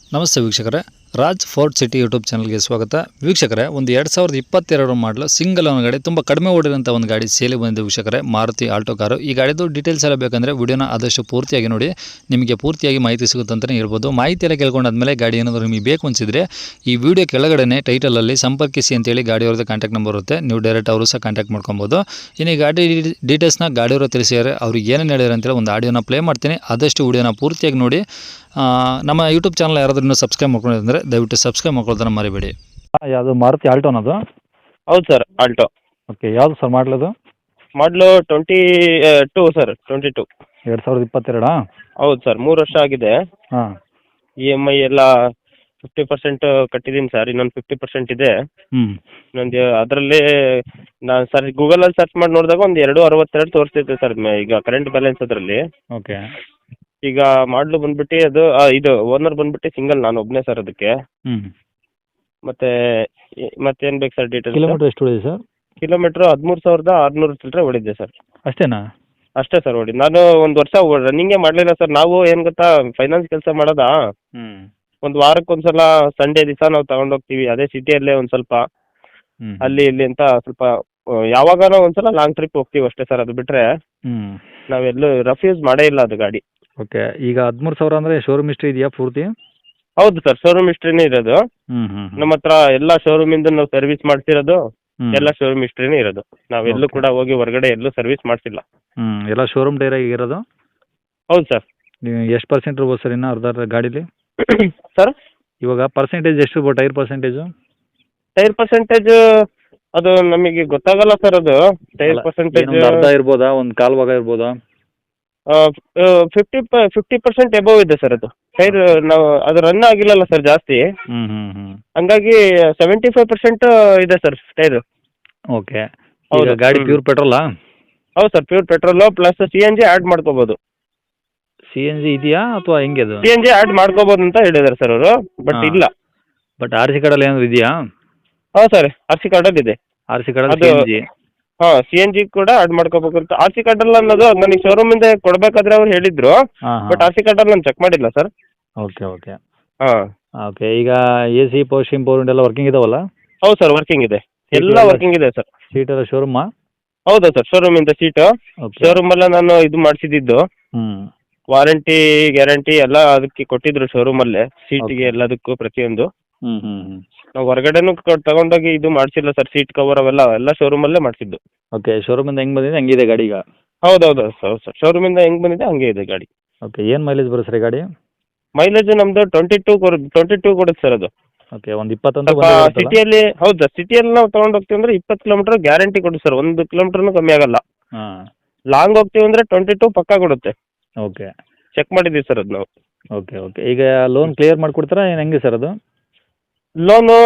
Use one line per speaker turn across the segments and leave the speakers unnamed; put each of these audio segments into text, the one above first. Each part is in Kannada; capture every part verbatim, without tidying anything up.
ನಮಸ್ತೆ ವೀಕ್ಷಕರೇ, ರಾಜ್ ಫೋರ್ಟ್ ಸಿಟಿ ಯೂಟ್ಯೂಬ್ ಚಾನಲ್ಗೆ ಸ್ವಾಗತ. ವೀಕ್ಷಕರೇ, ಒಂದು ಎರಡು ಸಾವಿರದ ಇಪ್ಪತ್ತೆರಡು ಮಾಡಲು ಸಿಂಗಲ್ ಓನ್ ಗಾಡಿ ತುಂಬ ಕಡಿಮೆ ಓಡಿರೋಂಥ ಒಂದು ಗಾಡಿ ಸೇಲಿ ಬಂದಿದೆ ವೀಕ್ಷಕರೇ, ಮಾರುತಿ ಆಲ್ಟೋ ಕಾರು. ಈ ಗಾಡಿದು ಡೀಟೇಲ್ಸ್ ಎಲ್ಲ ಬೇಕಂದರೆ ವಿಡಿಯೋನ ಆದಷ್ಟು ಪೂರ್ತಿಯಾಗಿ ನೋಡಿ, ನಿಮಗೆ ಪೂರ್ತಿಯಾಗಿ ಮಾಹಿತಿ ಸಿಗುತ್ತೆ ಅಂತಲೇ ಹೇಳ್ಬೋದು. ಮಾಹಿತಿ ಎಲ್ಲ ಕೇಳ್ಕೊಂಡಾದ್ಮೇಲೆ ಗಾಡಿ ಏನಾದರೂ ನಿಮಗೆ ಬೇಕು ಅನಿಸಿದರೆ ಈ ವಿಡಿಯೋ ಕೆಳಗಡೆ ಟೈಟಲಲ್ಲಿ ಸಂಪರ್ಕಿಸಿ ಅಂತೇಳಿ ಗಾಡಿಯವ್ರದ್ದು ಕಾಂಟ್ಯಾಕ್ಟ್ ನಂಬರ್ ಇರುತ್ತೆ, ನೀವು ಡೈರೆಕ್ಟ್ ಅವರು ಸಹ ಕಾಂಟ್ಯಾಕ್ಟ್ ಮಾಡ್ಕೊಬೋದು. ಇನ್ನು ಈ ಗಾಡಿ ಡೀಟೇಲ್ಸ್ನ ಗಾಡಿಯವರು ತಿಳಿಸಿದ್ದಾರೆ, ಅವ್ರಿಗೆ ಏನೇನು ಹೇಳಿದ್ರು ಅಂತೇಳಿ ಒಂದು ಆಡಿಯೋನ ಪ್ಲೇ ಮಾಡ್ತೀನಿ, ಆದಷ್ಟು ವಿಡಿಯೋನ ಪೂರ್ತಿಯಾಗಿ ನೋಡಿ. ನಮ್ಮ ಯೂಟ್ಯೂಬ್ ಚಾನಲ್ ಯಾರಾದ್ರೂ ಇನ್ನೂ ಸಬ್ಸ್ಕ್ರೈಬ್ ಮಾಡ್ಕೊಂಡಿದ್ರೆ ದಯವಿಟ್ಟು ಸಬ್ಸ್ಕ್ರೈಬ್ ಮಾಡ್ಕೊಳ್ಳೋದನ್ನ ಮರಿಬೇಡಿ. ಯಾವುದು ಮಾರುತಿ ಆಲ್ಟೋನದು?
ಹೌದು ಸರ್, ಆಲ್ಟೋ.
ಓಕೆ, ಯಾವುದು ಸರ್ ಮಾಡಲದು?
ಮಾಡಲು twenty two sir, twenty two
ಎರಡು ಸಾವಿರದ ಇಪ್ಪತ್ತೆರಡಾ?
ಹೌದು ಸರ್, ಮೂರು ವರ್ಷ ಆಗಿದೆ.
ಹಾಂ.
ಇ ಎಮ್ ಐ ಎಲ್ಲ ಫಿಫ್ಟಿ ಪರ್ಸೆಂಟ್ ಕಟ್ಟಿದ್ದೀನಿ ಸರ್, ಇನ್ನೊಂದು ಫಿಫ್ಟಿ ಪರ್ಸೆಂಟ್ ಇದೆ.
ಹ್ಞೂ.
ಇನ್ನೊಂದು ಅದರಲ್ಲಿ ನಾನು ಸರ್ ಗೂಗಲಲ್ಲಿ ಸರ್ಚ್ ಮಾಡಿ ನೋಡಿದಾಗ ಒಂದು ಎರಡು ಅರವತ್ತೆರಡು ತೋರಿಸ್ತಿತ್ತು ಸರ್ ಈಗ ಕರೆಂಟ್ ಬ್ಯಾಲೆನ್ಸ್ ಅದರಲ್ಲಿ.
ಓಕೆ.
ಈಗ ಮಾಡಲು ಬಂದ್ಬಿಟ್ಟು ಅದು ಆ, ಇದು ಓನರ್ ಬಂದ್ಬಿಟ್ಟು ಸಿಂಗಲ್, ನಾನು ಒಬ್ಬನೇ ಸರ್ ಅದಕ್ಕೆ.
ಹ್ಞೂ.
ಮತ್ತೆ ಮತ್ತೇನು ಬೇಕು ಸರ್ ಡೀಟೇಲ್ಸ್?
ಕಿಲೋಮೀಟರ್ ಎಷ್ಟು ಹೊಡಿದೆ ಸರ್?
ಕಿಲೋಮೀಟ್ರ್ ಹದಿಮೂರು ಸಾವಿರದ ಆರುನೂರು ಚಿಲ್ಲರೆ ಹೊಡಿದ್ದೆ ಸರ್.
ಅಷ್ಟೇನಾ?
ಅಷ್ಟೇ ಸರ್ ಹೊಡಿ. ನಾನು ಒಂದು ವರ್ಷ ರನ್ನಿಂಗೇ ಮಾಡಲಿಲ್ಲ ಸರ್. ನಾವು ಏನು ಗೊತ್ತಾ, ಫೈನಾನ್ಸ್ ಕೆಲಸ ಮಾಡೋದಾ,
ಹ್ಞೂ.
ಒಂದು ವಾರಕ್ಕೆ ಒಂದು ಸಲ ಸಂಡೇ ದಿವಸ ನಾವು ತಗೊಂಡೋಗ್ತೀವಿ, ಅದೇ ಸಿಟಿಯಲ್ಲೇ ಒಂದು ಸ್ವಲ್ಪ
ಹ್ಞೂ.
ಅಲ್ಲಿ ಇಲ್ಲಿ ಅಂತ ಸ್ವಲ್ಪ ಯಾವಾಗನೋ ಒಂದು ಸಲ ಲಾಂಗ್ ಟ್ರಿಪ್ ಹೋಗ್ತೀವಿ ಅಷ್ಟೇ ಸರ್. ಅದು ಬಿಟ್ಟರೆ
ಹ್ಞೂ.
ನಾವೆಲ್ಲೂ ರಫ್ ಯೂಸ್ ಮಾಡೇ ಇಲ್ಲ ಅದು ಗಾಡಿ.
ಓಕೆ, ಈಗ ಹದಿಮೂರು ಸಾವಿರ ಅಂದರೆ ಶೋರೂಮ್ ಹಿಸ್ಟ್ರಿ ಇದೆಯಾ ಪೂರ್ತಿ?
ಹೌದು ಸರ್, ಶೋರೂಮ್ ಹಿಸ್ಟ್ರಿನೇ ಇರೋದು.
ಹ್ಞೂ ಹ್ಞೂ.
ನಮ್ಮ ಹತ್ರ ಎಲ್ಲ ಶೋರೂಮಿಂದ ನಾವು ಸರ್ವಿಸ್ ಮಾಡ್ತಿರೋದು,
ಹ್ಞೂ.
ಎಲ್ಲ ಶೋರೂಮ್ ಹಿಸ್ಟ್ರಿನೇ ಇರೋದು. ನಾವೆಲ್ಲೂ
Okay.
ಕೂಡ ಹೋಗಿ ಹೊರಗಡೆ ಎಲ್ಲೂ ಸರ್ವಿಸ್ ಮಾಡಿಸಿಲ್ಲ.
ಹ್ಞೂ, ಎಲ್ಲ ಶೋರೂಮ್ ಟೈರಾಗಿ ಇರೋದು?
ಹೌದು ಸರ್.
ನೀವು ಎಷ್ಟು ಪರ್ಸೆಂಟ್ ಇರ್ಬೋದು ಸರ್ ಇನ್ನು ಅರ್ಧ ಗಾಡೀಲಿ?
ಸರ್,
ಇವಾಗ ಪರ್ಸೆಂಟೇಜ್ ಎಷ್ಟು ಇರ್ಬೋದು, ಟೈರ್ ಪರ್ಸೆಂಟೇಜು?
ಟೈರ್ ಪರ್ಸೆಂಟೇಜ್ ಅದು ನಮಗೆ ಗೊತ್ತಾಗಲ್ಲ ಸರ್. ಅದು ಟೈರ್ ಪರ್ಸೆಂಟೇಜ್
ಒಂದು ಅರ್ಧ ಇರ್ಬೋದಾ, ಒಂದು ಕಾಲು ಭಾಗ ಇರ್ಬೋದಾ?
ಫಿಫ್ಟಿ ಫಿಫ್ಟಿ ಪರ್ಸೆಂಟ್ ಎಬೋವ್ ಇದೆ ಸರ್. ಅದು ಟೈರ್ ನಾವು ಅದು ರನ್ ಆಗಿಲ್ಲಲ್ಲ ಸರ್ ಜಾಸ್ತಿ,
ಹ್ಞೂ ಹ್ಞೂ ಹ್ಞೂ.
ಹಂಗಾಗಿ ಸೆವೆಂಟಿ ಫೈವ್ ಪರ್ಸೆಂಟ್ ಇದೆ ಸರ್ ಟೈರ್.
ಓಕೆ.
ಹೌದು.
ಈಗ ಗಾಡಿ
ಹ್ಮ್.
ಪ್ಯೂರ್ ಪೆಟ್ರೋಲಾ?
ಹೌದು sir, pure petrol plus C N G add ಮಾಡ್ಕೋಬೋದು.
ಸಿ ಎನ್ ಜಿ ಇದೆಯಾ ಅಥವಾ ಹೆಂಗೆ ಅದು?
ಸಿ ಎನ್ ಜಿ ಆ್ಯಡ್ ಮಾಡ್ಕೋಬೋದು ಅಂತ ಹೇಳಿದ್ದಾರೆ ಸರ್ ಅವರು, ಬಟ್
ಹಾ.
ಇಲ್ಲ.
ಬಟ್ ಆರ್ ಸಿ ಕಾರ್ಡಲ್ಲಿ ಏನಾದ್ರು ಇದೆಯಾ?
ಹಾಂ ಸರ್, ಆರ್ ಸಿ ಕಾರ್ಡಲ್ಲಿ ಇದೆ.
ಆರ್ ಸಿ ಕಾರ್ಡಲ್ಲಿ
ಅದು
ಸಿ ಎನ್ ಜಿ?
ಹಾಂ, ಸಿ ಎನ್ ಜಿ ಕೂಡ ಆ್ಯಡ್ ಮಾಡ್ಕೋಬೇಕು ಅಂತ. ಆರ್ ಸಿ ಕಾರ್ಡಲ್ಲಿ ಅನ್ನೋದು ನನಗೆ ಶೋರೂಮಿಂದ ಕೊಡಬೇಕಾದ್ರೆ ಅವ್ರು ಹೇಳಿದ್ರು,
ಹಾಂ
ಬಟ್
ಹಾಂ.
ಆರ್ ಸಿ ಕಾರ್ಡಲ್ಲಿ ನಾನು ಚೆಕ್ ಮಾಡಿಲ್ಲ ಸರ್.
Okay okay.
ಹಾಂ.
ಓಕೆ, ಈಗ A C power steam power ಎಲ್ಲ ವರ್ಕಿಂಗ್ ಇದಾವಲ್ಲ?
ಹೌದು ಸರ್, ವರ್ಕಿಂಗ್ ಇದೆ, ಎಲ್ಲ
ಎಲ್ಲ-
ವರ್ಕಿಂಗ್ ಇದೆ ಸರ್.
ಸೀಟ್ ಎಲ್ಲ ಶೋರೂಮಾ?
ಹೌದಾ ಸರ್, ಶೋರೂಮಿಂದ ಸೀಟು.
ಓಕೆ.
ಶೋರೂಮಲ್ಲೇ ನಾನು ಇದು ಮಾಡಿಸಿದ್ದು,
ಹ್ಞೂ.
ವಾರಂಟಿ ಗ್ಯಾರಂಟಿ ಎಲ್ಲ ಅದಕ್ಕೆ ಕೊಟ್ಟಿದ್ರು ಶೋರೂಮಲ್ಲೇ, ಸೀಟಿಗೆ ಎಲ್ಲದಕ್ಕೂ ಪ್ರತಿಯೊಂದು.
ಹ್ಞೂ ಹ್ಞೂ ಹ್ಞೂ.
ನಾವು ಹೊರಗಡೆನೂ ಕ- ತಗೊಂಡೋಗಿ ಇದು ಮಾಡಿಸಿಲ್ಲ ಸರ್, ಸೀಟ್ ಕವರ್ ಅವೆಲ್ಲ ಎಲ್ಲ ಶೋರೂಮಲ್ಲೇ ಮಾಡಿಸಿದ್ದು.
ಓಕೆ, ಶೋರೂಮಿಂದ ಹೆಂಗೆ ಬಂದಿದೆ ಹಂಗಿದೆ ಗಾಡಿ ಈಗ?
ಹೌದೌದು ಹೌದು ಸರ್, ಶೋರೂಮಿಂದ ಹೆಂಗೆ ಬಂದಿದೆ ಹಂಗೆ ಇದೆ ಗಾಡಿ.
ಓಕೆ, ಏನು ಮೈಲೇಜ್ ಬರುತ್ತೆ ಸರ್ ಈ ಗಾಡಿ?
ಮೈಲೇಜ್ ನಮ್ಮದು ಟ್ವೆಂಟಿ ಟೂ ಟ್ವೆಂಟಿ ಟೂ ಕೊಡುತ್ತೆ ಸರ್. ಅದು
ಓಕೆ, ಒಂದು ಇಪ್ಪತ್ತೊಂದು
ಸ್ವಲ್ಪ ಸಿಟಿಯಲ್ಲಿ, ಹೌದು ಸರ್, ಸಿಟಿಯಲ್ಲಿ ನಾವು ತೊಗೊಂಡು ಹೋಗ್ತೀವಿ ಅಂದರೆ ಇಪ್ಪತ್ತು ಕಿಲೋಮೀಟರ್ ಗ್ಯಾರಂಟಿ ಕೊಡುತ್ತೆ ಸರ್, ಒಂದು ಕಿಲೋಮೀಟ್ರೂ ಕಮ್ಮಿ ಆಗಲ್ಲ.
ಹಾಂ.
ಲಾಂಗ್ ಹೋಗ್ತೀವಿ ಅಂದರೆ ಟ್ವೆಂಟಿ ಟೂ ಪಕ್ಕಾ ಕೊಡುತ್ತೆ,
ಓಕೆ
ಚೆಕ್ ಮಾಡಿದ್ದೀವಿ ಸರ್ ಅದು ನಾವು.
Okay okay. ಈಗ ಲೋನ್ ಕ್ಲಿಯರ್ ಮಾಡಿಕೊಡ್ತಾರಾ ಏನು ಹೆಂಗೆ ಸರ್ ಅದು?
ಲೋನು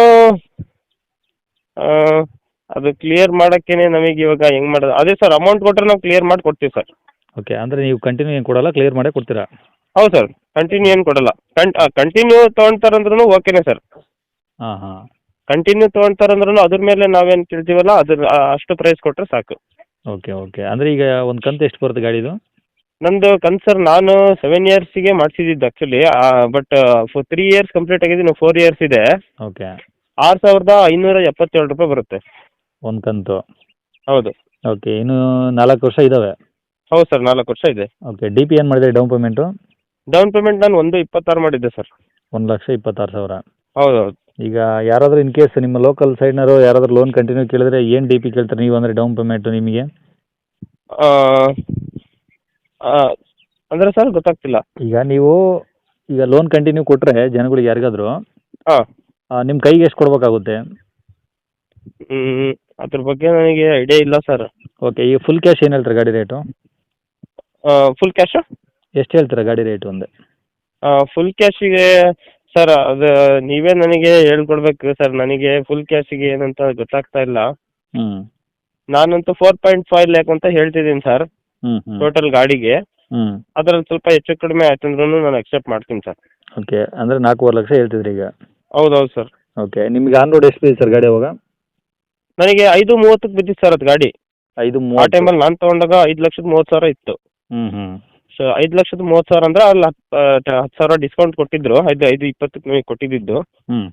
ಅದು ಕ್ಲಿಯರ್ ಮಾಡೋಕ್ಕೇನೆ ನಮಗೆ ಇವಾಗ ಹೆಂಗೆ ಮಾಡೋದು, ಅದೇ ಸರ್, ಅಮೌಂಟ್ ಕೊಟ್ಟರೆ ನಾವು ಕ್ಲಿಯರ್ ಮಾಡಿ ಕೊಡ್ತೀವಿ ಸರ್.
ಓಕೆ, ಅಂದರೆ ನೀವು ಕಂಟಿನ್ಯೂ ಏನು ಕೊಡಲ್ಲ, ಕ್ಲಿಯರ್ ಮಾಡೇ ಕೊಡ್ತೀರಾ?
ಹೌದು ಸರ್, ಕಂಟಿನ್ಯೂ ಏನು ಕೊಡಲ್ಲ. ಕಂ ಕಂಟಿನ್ಯೂ ತೊಗೊಳ್ತಾರಂದ್ರೂ ಓಕೆನೇ ಸರ್.
ಹಾಂ ಹಾಂ.
ಕಂಟಿನ್ಯೂ ತೊಗೊಳ್ತಾರಂದ್ರೂ ಅದ್ರ ಮೇಲೆ ನಾವೇನು ಕೇಳ್ತೀವಲ್ಲ ಅದ್ರ ಆ- ಅಷ್ಟು ಪ್ರೈಸ್ ಕೊಟ್ಟರೆ ಸಾಕು.
Okay okay. ಅಂದರೆ ಈಗ ಒಂದು ಕಂತು ಎಷ್ಟು ಬರುತ್ತೆ ಗಾಡಿದು?
ನಂದು ಕಂತು ಸರ್, ನಾನು ಸೆವೆನ್ ಇಯರ್ಸಿಗೆ ಮಾಡಿಸಿದ್ದು actually, but four three years complete ಆಗಿದೆ, ಇನ್ನು ಫೋರ್ ಇಯರ್ಸ್ ಇದೆ.
ಓಕೆ.
ಆರು ಸಾವಿರದ ಐನೂರ ಎಪ್ಪತ್ತೇಳು ರೂಪಾಯಿ ಬರುತ್ತೆ
ಒಂದು ಕಂತು?
ಹೌದು.
ಓಕೆ, ಇನ್ನು ನಾಲ್ಕು ವರ್ಷ ಇದ್ದಾವೆ?
ಹೌದು ಸರ್, ನಾಲ್ಕು ವರ್ಷ ಇದೆ.
ಓಕೆ, ಡಿ ಪಿ ಏನು ಮಾಡಿದೆ ಡೌನ್ ಪೇಮೆಂಟು?
ಡೌನ್ ಪೇಮೆಂಟ್ ನಾನು ಒಂದು ಇಪ್ಪತ್ತಾರು ಮಾಡಿದ್ದೆ ಸರ್.
ಒಂದು ಲಕ್ಷ ಇಪ್ಪತ್ತಾರು ಸಾವಿರ?
ಹೌದು ಹೌದು.
ಈಗ ಯಾರಾದರೂ ಇನ್ ಕೇಸ್ ನಿಮ್ಮ ಲೋಕಲ್ ಸೈಡ್ನವರು ಯಾರಾದರೂ ಲೋನ್ ಕಂಟಿನ್ಯೂ ಕೇಳಿದ್ರೆ ಏನು ಡಿ ಪಿ ಕೇಳ್ತಾರೆ ನೀವು, ಅಂದರೆ ಡೌನ್ ಪೇಮೆಂಟು ನಿಮಗೆ?
ಆ, ಆ, ಅಂದ್ರೆ ಸರ್ ಗೊತ್ತಾಗ್ತಿಲ್ಲ.
ಈಗ ನೀವು ಈಗ ಲೋನ್ ಕಂಟಿನ್ಯೂ ಕೊಟ್ಟರೆ ಜನಗಳಿಗೆ ಯಾರಿಗಾದರೂ
ಹಾಂ.
ನಿಮ್ಮ ಕೈಗೆ ಎಷ್ಟು ಕೊಡಬೇಕಾಗುತ್ತೆ?
ಹ್ಞೂ ಅದ್ರ ಬಗ್ಗೆ ನನಗೆ ಐಡಿಯಾ ಇಲ್ಲ ಸರ್.
ಓಕೆ, ಈಗ ಫುಲ್ ಕ್ಯಾಶ್ ಏನು ಹೇಳ್ತಾರೆ ಗಾಡಿ ರೇಟು?
Full cash?
ಎಷ್ಟು ಹೇಳ್ತೀರಾ ಗಾಡಿ ರೇಟು ಒಂದೇ?
ಫುಲ್ ಕ್ಯಾಶಿಗೆ ಸರ್, ಅದು ನೀವೇ ನನಗೆ ಹೇಳ್ಕೊಡ್ಬೇಕು ಸರ್, ನನಗೆ ಫುಲ್ ಕ್ಯಾಶಿಗೆ ಏನಂತ ಗೊತ್ತಾಗ್ತಾ ಇಲ್ಲ.
ಹ್ಞೂ
ನಾನಂತೂ ಫೋರ್ ಪಾಯಿಂಟ್ ಫೈವ್ ಲ್ಯಾಕ್ ಅಂತ ಹೇಳ್ತಿದ್ದೀನಿ ಸರ್
ಹ್ಞೂ ಹ್ಞೂ
ಟೋಟಲ್ ಗಾಡಿಗೆ.
ಹ್ಞೂ.
ಅದರಲ್ಲಿ ಸ್ವಲ್ಪ ಹೆಚ್ಚು ಕಡಿಮೆ ಆಯ್ತಂದ್ರೂ ನಾನು ಅಕ್ಸೆಪ್ಟ್ ಮಾಡ್ತೀನಿ ಸರ್.
ಓಕೆ, ಅಂದರೆ ನಾಲ್ಕೂವರೆ ಲಕ್ಷ ಹೇಳ್ತಿದ್ರಿ ಈಗ?
ಹೌದೌದು ಸರ್.
ಓಕೆ, ನಿಮಗೆ ಆನ್ ರೋಡ್ ಎಷ್ಟು ಬಿದ್ದಿದೆ ಸರ್ ಗಾಡಿ ಅವಾಗ?
ನನಗೆ ಐದು ಮೂವತ್ತಕ್ಕೆ ಬಿದ್ದಿತ್ತು ಸರ್ ಅದು ಗಾಡಿ.
ಐದು
ಆ
ಮೂವತ್ತು?
ಟೈಮಲ್ಲಿ ನಾನು ತೊಗೊಂಡಾಗ ಐದು ಲಕ್ಷದ ಮೂವತ್ತು ಸಾವಿರ ಇತ್ತು.
ಹ್ಞೂ ಹ್ಞೂ.
ಸೊ ಐದು ಲಕ್ಷದ ಮೂವತ್ತು ಸಾವಿರ ಅಂದ್ರೆ ಅಲ್ಲಿ ಹತ್ತು ಹತ್ತು ಸಾವಿರ ಡಿಸ್ಕೌಂಟ್ ಕೊಟ್ಟಿದ್ರು, ಐದು ಐದು ಇಪ್ಪತ್ತಕ್ಕೆ ನಿಮಗೆ ಕೊಟ್ಟಿದ್ದು.
ಹ್ಞೂ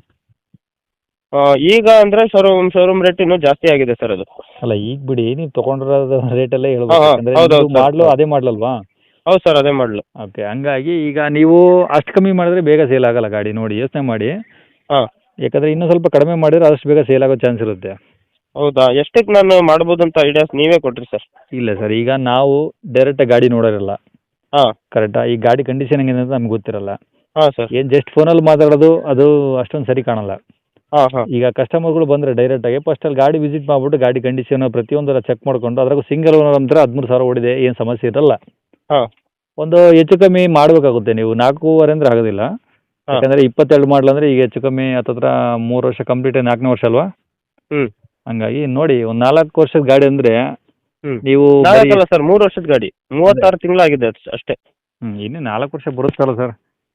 ಈಗ ಅಂದರೆ ಶೋರೂಮ್ ಶೋರೂಮ್ ರೇಟ್ ಇನ್ನೂ ಜಾಸ್ತಿ ಆಗಿದೆ ಸರ್ ಅದು.
ಅಲ್ಲ ಈಗ ಬಿಡಿ, ನೀವು ತೊಗೊಂಡಿರೋದು ರೇಟಲ್ಲೇ ಹೇಳ್ಬೇಕು,
ಹಾಂ, ಹಾಂ,
ಯಾಕಂದರೆ
ಹೌದು, ಹೌದು,
ಮಾಡಲು
ಸರ್.
ಅದೇ ಮಾಡಲಲ್ವಾ?
ಹೌದು ಸರ್, ಅದೇ ಮಾಡಲು.
ಓಕೆ, ಹಂಗಾಗಿ ಈಗ ನೀವು ಅಷ್ಟು ಕಮ್ಮಿ ಮಾಡಿದ್ರೆ ಬೇಗ ಸೇಲ್ ಆಗಲ್ಲ ಗಾಡಿ, ನೋಡಿ ಯೋಚನೆ ಮಾಡಿ.
ಹಾಂ,
ಯಾಕಂದರೆ ಇನ್ನೂ ಸ್ವಲ್ಪ ಕಡಿಮೆ ಮಾಡಿದ್ರೆ ಆದಷ್ಟು ಬೇಗ ಸೇಲ್ ಆಗೋ ಚಾನ್ಸ್ ಇರುತ್ತೆ.
ಹೌದಾ? ಎಷ್ಟಕ್ಕೆ ನಾನು ಮಾಡ್ಬೋದು ಅಂತ ಐಡಿಯಾಸ್ ನೀವೇ ಕೊಟ್ರಿ ಸರ್.
ಇಲ್ಲ ಸರ್, ಈಗ ನಾವು ಡೈರೆಕ್ಟಾಗಿ ಗಾಡಿ ನೋಡೋರಿಲ್ಲ,
ಹಾಂ,
ಕರೆಕ್ಟಾ? ಈ ಗಾಡಿ ಕಂಡೀಷನ್ ಹೆಂಗಿದೆ ಅಂತ ನಮ್ಗೆ ಗೊತ್ತಿರಲ್ಲ.
ಹಾಂ ಸರ್.
ಏನು ಜಸ್ಟ್ ಫೋನಲ್ಲಿ ಮಾತಾಡೋದು ಅದು ಅಷ್ಟೊಂದು ಸರಿ ಕಾಣಲ್ಲ.
ಹಾಂ, ಹಾಂ,
ಈಗ ಕಸ್ಟಮರ್ಗಳು ಬಂದರೆ ಡೈರೆಕ್ಟಾಗಿ ಫಸ್ಟ್ ಅಲ್ಲಿ ಗಾಡಿ ವಿಸಿಟ್ ಮಾಡಿಬಿಟ್ಟು ಗಾಡಿ ಕಂಡೀಷನ್ ಪ್ರತಿಯೊಂದರ ಚೆಕ್ ಮಾಡಿಕೊಂಡು, ಅದ್ರಾಗೂ ಸಿಂಗಲ್ ಓನರ್ ಅಂದ್ರೆ ಹದಿಮೂರು ಸಾವಿರ ಓಡಿದೆ, ಏನು ಸಮಸ್ಯೆ ಇರಲ್ಲ.
ಹಾಂ,
ಒಂದು ಹೆಚ್ಚು ಕಮ್ಮಿ ಮಾಡಬೇಕಾಗುತ್ತೆ ನೀವು, ನಾಲ್ಕೂವರೆ ಅಂದರೆ ಆಗೋದಿಲ್ಲ.
ಹಾಂ,
ಯಾಕಂದರೆ ಇಪ್ಪತ್ತೆರಡು ಮಾಡಲ್ ಅಂದರೆ ಈಗ ಹೆಚ್ಚು ಕಮ್ಮಿ ಹತ್ತತ್ರ ಮೂರು ವರ್ಷ ಕಂಪ್ಲೀಟ್, ನಾಲ್ಕನೇ ವರ್ಷ ಅಲ್ವಾ?
ಹ್ಞೂ
ಹಂಗಾಗಿ ನೋಡಿ, ಒಂದು ನಾಲ್ಕು ವರ್ಷದ ಗಾಡಿ ಅಂದರೆ
ಹ್ಞೂ
ನೀವು
ನಾಲ್ಕಲ್ಲ ಸರ್, ಮೂರು ವರ್ಷದ ಗಾಡಿ, ಮೂವತ್ತಾರು ತಿಂಗಳಾಗಿದೆ ಅಷ್ಟೇ.
ಹ್ಞೂ ಇನ್ನೂ ನಾಲ್ಕು ವರ್ಷ ಬರುತ್ತಲ್ಲ ಸರ್.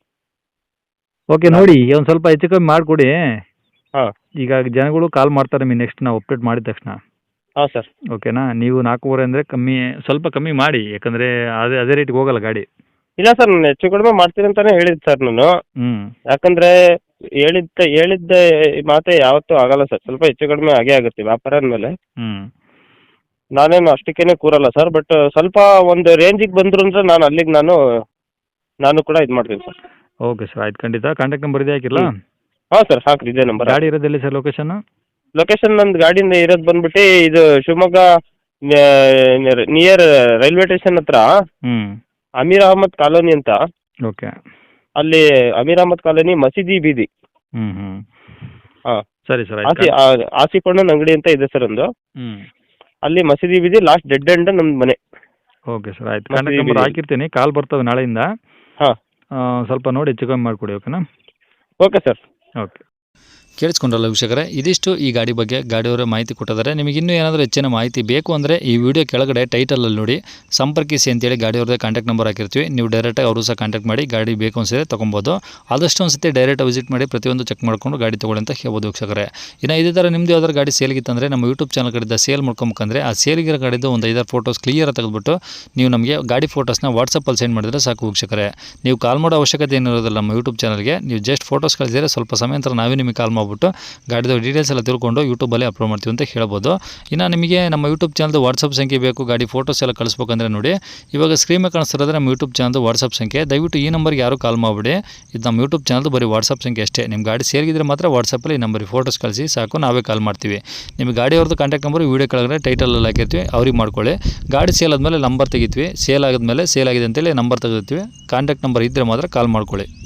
ಓಕೆ ನೋಡಿ, ಒಂದು ಸ್ವಲ್ಪ ಹೆಚ್ಚು ಕಮ್ಮಿ ಮಾಡಿಕೊಡಿ.
ಹಾಂ,
ಈಗ ಜನಗಳು ಕಾಲ್ ಮಾಡ್ತಾರೆ ನಿಮಗೆ ನೆಕ್ಸ್ಟ್ ನಾವು ಅಪ್ಡೇಟ್ ಮಾಡಿದ ತಕ್ಷಣ.
ಹಾಂ ಸರ್.
ಓಕೆನಾ? ನೀವು ನಾಲ್ಕೂವರೆ ಅಂದರೆ ಕಮ್ಮಿ, ಸ್ವಲ್ಪ ಕಮ್ಮಿ ಮಾಡಿ, ಯಾಕಂದರೆ ಅದೇ ಅದೇ ರೇಟಿಗೆ ಹೋಗಲ್ಲ ಗಾಡಿ.
ಇಲ್ಲ ಸರ್, ನಾನು ಹೆಚ್ಚು ಕಡಿಮೆ ಮಾಡ್ತೀನಿ ಅಂತಾನೆ ಹೇಳಿದ್ದು ಸರ್ ನಾನು.
ಹ್ಞೂ
ಯಾಕಂದ್ರೆ ಹೇಳಿದ್ದ ಹೇಳಿದ್ದ ಮಾತೇ ಯಾವತ್ತೂ ಆಗಲ್ಲ ಸರ್, ಸ್ವಲ್ಪ ಹೆಚ್ಚು ಕಡಿಮೆ ಆಗೇ ಆಗುತ್ತೆ ವ್ಯಾಪಾರ ಅಂದಮೇಲೆ.
ಹ್ಞೂ
ನಾನೇನು ಅಷ್ಟಕ್ಕೇನೆ ಕೂರಲ್ಲ ಸರ್, ಬಟ್ ಸ್ವಲ್ಪ ಒಂದು ರೇಂಜಿಗೆ ಬಂದ್ರು ಅಂದ್ರೆ ನಾನು ಅಲ್ಲಿಗೆ ನಾನು ನಾನು ಕೂಡ ಇದು ಮಾಡ್ತೀನಿ ಸರ್.
ಓಕೆ ಸರ್, ಆಯ್ತು, ಖಂಡಿತ. ಕಾಂಟ್ಯಾಕ್ಟ್ ನಂಬರ್ ಇದೆ, ಹಾಕಿಲ್ಲ?
ಹಾಂ ಸರ್, ಹಾಕ್ರಿ, ಇದೇ ನಂಬರ್.
ಗಾಡಿ ಇರೋದೆಲ್ಲಿ ಸರ್ ಲೊಕೇಶನ್?
ಲೊಕೇಶನ್ ನಂದು ಗಾಡಿಯಿಂದ ಇರೋದು ಬಂದ್ಬಿಟ್ಟು ಇದು ಶಿವಮೊಗ್ಗ ನಿಯರ್ ರೈಲ್ವೆ ಸ್ಟೇಷನ್ ಹತ್ರ
ಹ್ಞೂ
ಅಮೀರ್ ಅಹಮದ್ ಕಾಲೋನಿ ಅಂತ.
ಓಕೆ.
ಅಲ್ಲಿ ಅಮೀರ್ ಅಹಮದ್ ಕಾಲೋನಿ ಮಸೀದಿ ಬೀದಿ.
ಹ್ಞೂ ಹ್ಞೂ
ಹಾಂ,
ಸರಿ ಸರ್,
ಆಸಿ
ಆಯ್ತು.
ಆಸಿಪಣ್ಣನ ಅಂಗಡಿ ಅಂತ ಇದೆ ಸರ್ ಒಂದು.
ಹ್ಞೂ
ಅಲ್ಲಿ ಮಸೀದಿ ಬೀದಿ ಲಾಸ್ಟ್ ಡೆಡ್ ಎಂಡ್ ನಮ್ದು ಮನೆ.
ಓಕೆ ಸರ್, ಆಯ್ತು.
ಮತ್ತೆ
ಕಾಂಟ್ಯಾಕ್ಟ್ ನಂಬರ್
ಇದು-
ಹಾಕಿರ್ತೀನಿ, ಕಾಲ್ ಬರ್ತವೆ ನಾಳೆಯಿಂದ.
ಹಾಂ,
ಸ್ವಲ್ಪ ನೋಡಿ ಹೆಚ್ಚು ಕಮ್ಮಿ ಮಾಡಿಕೊಡಿ, ಓಕೆನಾ?
Okay sir.
ಓಕೆ. ಕೇಳಿಸ್ಕೊಂಡ್ರಲ್ಲ ವೀಕ್ಷಕರೇ, ಇದಿಷ್ಟು ಈ ಗಾಡಿ ಬಗ್ಗೆ ಗಾಡಿಯವರ ಮಾಹಿತಿ ಕೊಟ್ಟಿದ್ದಾರೆ. ನಿಮಗೆ ಇನ್ನೂ ಏನಾದರೂ ಹೆಚ್ಚಿನ ಮಾಹಿತಿ ಬೇಕು ಅಂದರೆ ಈ ವಿಡಿಯೋ ಕೆಳಗಡೆ ಟೈಟಲಲ್ಲಿ ನೋಡಿ ಸಂಪರ್ಕಿಸಿ ಅಂತೇಳಿ ಗಾಡಿಯವ್ರದ್ದೇ ಕಾಂಟ್ಯಾಕ್ಟ್ ನಂಬರ್ ಹಾಕಿರ್ತೀವಿ. ನೀವು ಡೈರೆಕ್ಟಾಗಿ ಅವರು ಸಹ ಕಾಂಟ್ಯಾಕ್ಟ್ ಮಾಡಿ ಗಾಡಿ ಬೇಕು ಅನಿಸಿದ್ರೆ ತೊಗೊಬೋದು. ಆದಷ್ಟು ಒಂದು ಸತಿ ಡೈರೆಕ್ಟ್ ವಿಸಿಟ್ ಮಾಡಿ ಪ್ರತಿಯೊಂದು ಚೆಕ್ ಮಾಡಿಕೊಂಡು ಗಾಡಿ ತೊಗೊಳ್ಳಿ ಅಂತ ಹೇಳ್ಬೋದು ವೀಕ್ಷಕರೇ. ಇನ್ನು ಇದೇ ಥರ ನಿಮ್ಮದು ಯಾವ್ದಾದ್ರು ಗಾಡಿ ಸೇಲ್ಗಿತ್ತಂದರೆ ನಮ್ಮ ಯೂಟ್ಯೂಬ್ ಚಾನಲ್ ಕಡೆಯಿಂದ ಸೇಲ್ ಮಾಡ್ಕೊಬೇಕಂದ್ರೆ ಆ ಸೇಲ್ಗಿರೋ ಗಾಡಿದು ಒಂದು ಐದಾರು ಫೋಟೋಸ್ ಕ್ಲಿಯರ್ ತೆಗೆದುಬಿಟ್ಟು ನೀವು ನಮಗೆ ಗಾಡಿ ಫೋಟೋಸ್ನ ವಾಟ್ಸಪ್ಪಲ್ಲಿ ಸೆಂಡ್ ಮಾಡಿದ್ರೆ ಸಾಕು ವೀಕ್ಷಕರೇ. ನೀವು ಕಾಲ್ ಮಾಡೋ ಅವಶ್ಯಕತೆ ಏನಿರೋದಿಲ್ಲ ನಮ್ಮ ಯೂಟ್ಯೂಬ್ ಚಾನಲ್ಗೆ. ನೀವು ಜಸ್ಟ್ ಫೋಟೋಸ್ ಕಳಿಸಿದರೆ ಸ್ವಲ್ಪ ಸಮಯ ನಂತರ ನಾವೇ ನಿಮಗೆ ಕಾಲ್ ಮಾಡಿಬಿಟ್ಟು ಗಾಡಿದು ಡೀಟೇಲ್ಸ್ ಎಲ್ಲ ತಿಳ್ಕೊಂಡು ಯೂಟ್ಯೂಬಲ್ಲಿ ಅಪ್ಲೋಡ್ ಮಾಡ್ತೀವಿ ಅಂತ ಹೇಳ್ಬೋದು. ಇನ್ನು ನಿಮಗೆ ನಮ್ಮ ಯೂಟ್ಯೂಬ್ ಚಾನಲ್ದು ವಾಟ್ಸಪ್ ಸಂಖ್ಯೆ ಬೇಕು, ಗಾಡಿ ಫೋಟೋಸ್ ಎಲ್ಲ ಕಳಿಸ್ಬೇಕಂದ್ರೆ ನೋಡಿ ಇವಾಗ ಸ್ಕ್ರೀನ್ ಮೇಲೆ ಕಾಣಿಸ್ತಿರೋದ್ರೆ ನಮ್ಮ ಯೂಟ್ಯೂಬ್ ಚಾನಲ್ದು ವಾಟ್ಸಪ್ ಸಂಖ್ಯೆ. ದಯವಿಟ್ಟು ಈ ನಂಬರ್ಗೆ ಯಾರು ಕಾಲ್ ಮಾಡಿಬಿಡಿ, ಇದು ನಮ್ಮ ಯೂಟ್ಯೂಬ್ ಚಾನಲ್ದು ಬರೀ ವಾಟ್ಸಪ್ ಸಂಖ್ಯೆ ಅಷ್ಟೇ. ನಿಮ್ಮ ಗಾಡಿ ಸೇರಿದ್ರೆ ಮಾತ್ರ ವಾಟ್ಸಪ್ಪಲ್ಲಿ ಈ ನಂಬರಿಗೆ ಫೋಟೋಸ್ ಕಳಿಸಿ ಸಾಕು, ನಾವೇ ಕಾಲ್ ಮಾಡ್ತೀವಿ. ನಿಮಗೆ ಗಾಡಿಯವ್ರದ್ದು ಕಾಂಟ್ಯಾಕ್ಟ್ ನಂಬರ್ ವೀಡಿಯೋ ಕೆಳಗಡೆ ಟೈಟಲಲ್ಲಿ ಹಾಕಿರ್ತೀವಿ, ಅವ್ರಿಗೆ ಮಾಡ್ಕೊಳ್ಳಿ. ಗಾಡಿ ಸೇಲ್ ಆದಮೇಲೆ ನಂಬರ್ ತೆಗಿತೀವಿ, ಸೇಲ್ ಆದಮೇಲೆ ಸೇಲ್ ಆಗಿದೆ ಅಂತೇಳಿ ನಂಬರ್ ತೆಗಿತೀವಿ. ಕಾಂಟ್ಯಾಕ್ಟ್ ನಂಬರ್ ಇದ್ದರೆ ಮಾತ್ರ ಕಾಲ್ ಮಾಡ್ಕೊಳ್ಳಿ.